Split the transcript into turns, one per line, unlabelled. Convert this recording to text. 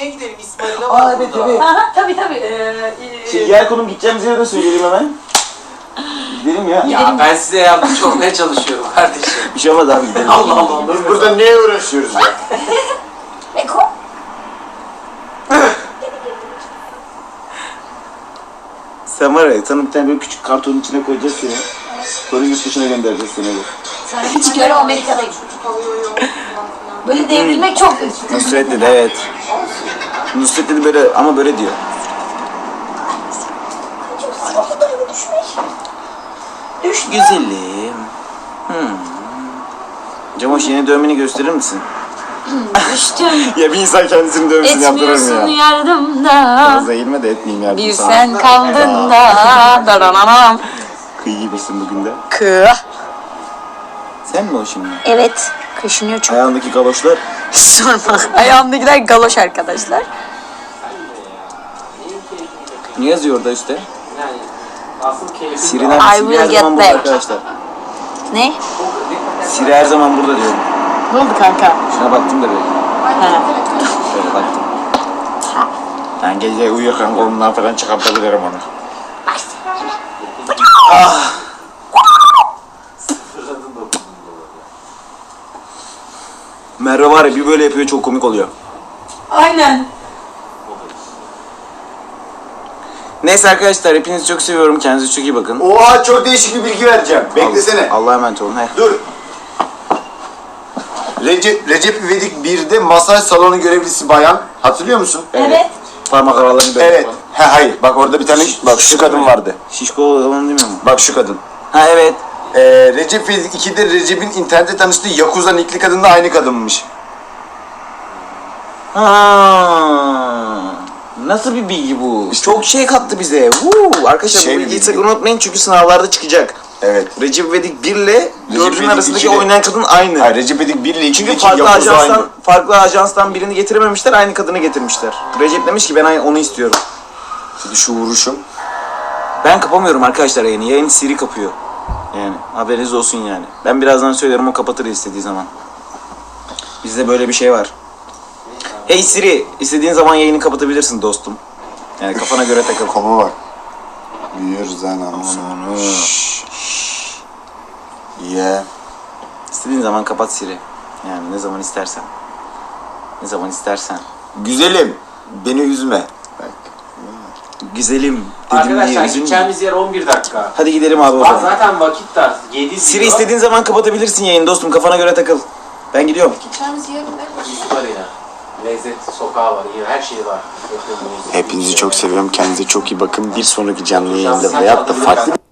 şeye gidelim. İsmail'e var
Aa evet
burada.
evet.
Aha, tabii.
Gel konum gideceğimiz yere de söyleyelim hemen. Gidelim ya.
Ya ben size yardımcı olmaya çalışıyorum kardeşim.
Bir şey olmaz abi gidelim.
Allah Allah.
Biz burada neye uğraşıyoruz ya?
Beko.
Sen var ya, sana bir tane böyle küçük kartonun içine koyacağız seni. Sonra yurt dışına göndereceğiz seni.
Sana hiç göre Amerika'dayım. Böyle devrilmek çok kötü.
Nusret dedi evet. Nusret dedi böyle ama böyle diyor. Düş güzelim. Cemoş yeni dövmeni gösterir misin?
Düştüm.
Ya bir insan kendisini dövmesini yaptırır
Etmiyorsun
mı ya?
yardımda.
Fazla eğilme de etmeyeyim yardım
Bir
sana.
sen kaldın da. Darananam.
Kıyı gibisin bugün de. Sen mi o şimdi?
Evet. Kaşınıyor çok.
Ayağındaki galoşlar.
Sorma. Ayağımdakiler galoş arkadaşlar.
Ne yazıyor orada üstte?
Yani asıl keyfi
Siri'den
I
Siri
will
her
get
zaman burada
back.
arkadaşlar.
Ne?
Siri her zaman burada diyorum.
Ne oldu kanka?
Şuna baktım da böyle.
Ha.
Şöyle baktım. Ben gece uyurken kolumdan falan çıkartabilirim onu. Ah! Merve var ya bir böyle yapıyor çok komik oluyor.
Aynen.
Neyse arkadaşlar hepinizi çok seviyorum. Kendinize çok iyi bakın.
Oha çok değişik bir bilgi vereceğim. Beklesene.
Allah'a emanet olun.
Dur. Recep İvedik 1'de masaj salonu görevlisi bayan. Hatırlıyor musun?
Evet.
Parmak aralarını böyle.
Evet. Hayır. Bak orada bir tane bak şu kadın vardı.
Şişko olan değil mi?
Bak şu kadın.
Ha evet.
Recep İvedik 2'de Recep'in internette tanıştığı Yakuza nickli kadın da aynı kadınmış.
Ha. Nasıl bir bilgi bu? Çok şey kattı bize. Arkadaşlar
Şey
bu
bir
bilgiyi
bilgi.
sakın unutmayın çünkü sınavlarda çıkacak.
Evet.
Recep İvedik 1 ile 4'ün
İvedik
arasındaki
2'de
oynayan kadın aynı.
Hayır Recep İvedik 1 ile 2'deki
Çünkü farklı
Yakuza aynı.
ajanstan birini getirememişler, aynı kadını getirmişler. Recep demiş ki ben onu istiyorum.
Şimdi şu vuruşum.
Ben kapamıyorum arkadaşlar yayını. Yayın Siri kapıyor. Yani haberiniz olsun yani. Ben birazdan söylerim o kapatır istediği zaman. Bizde böyle bir şey var. Hey Siri, istediğin zaman yayını kapatabilirsin dostum. Yani kafana göre takıl.
Koma bak. Büyüyoruz lan onu. Yeah.
İstediğin zaman kapat Siri. Yani ne zaman istersen. Ne zaman istersen.
Güzelim. Beni üzme. Bak.
Güzelim dedim
Arkadaşlar
diye üzülme.
gideceğimiz yer 11 dakika.
Hadi gidelim abi o
Bak
zaman.
zaten vakit dar. 7
Siri istediğin zaman kapatabilirsin yayını dostum. Kafana göre takıl. Ben gidiyorum.
Üst var yine. Lezzet sokağı var. Yine her şey var.
Hepinizi çok seviyorum. Kendinize çok iyi bakın. Bir sonraki canlı yayında veyahut da farklı